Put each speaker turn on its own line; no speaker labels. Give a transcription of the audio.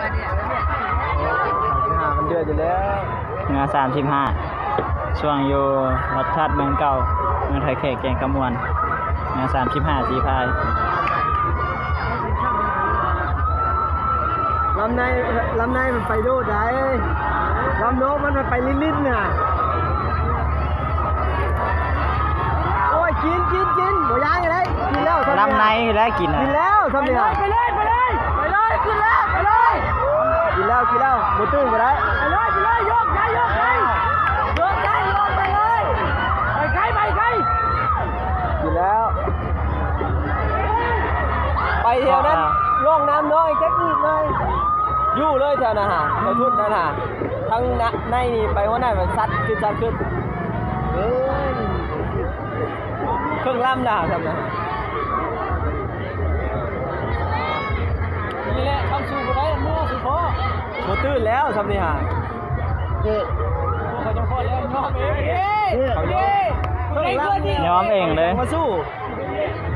มันเดือดอยู่แล้ว
เงา35ช่วงอยู่รัฐธาตุเมืองเก่าเมืองไทยเขตแกงกระมวลเงา35สีพาย
ลำในมันไปโดดได้ลำโน้มันไปลิ้นๆน่ะโอ้ยกินหมูย่างอะไรกินแล้ว
ลำในแล้วกิน
แล้วทำเนี่ย
ไปเลยขึ้นแล้วไปเลย
กินแล้วหมูตื้นก็ได้
ไปเลยยกไปเลยไปไกล
กินแล้วไปแถวนั้นร่องน้ำน้อยแจ๊กอีกเลยยู่เลยแถวนั้นฮะไปทุ่นนั่นฮะทั้งในนี่ไปหัวหน้ามันซัดขึ้นเครื่องล่ำด่าทำนะ
นี่แหละทำสูบได้มือสุดพอ
หมดตื้นแล้วทำนี่ฮะ
เขาจะพอแล้วยอมเอง
ยอมเองเลย
มาสู้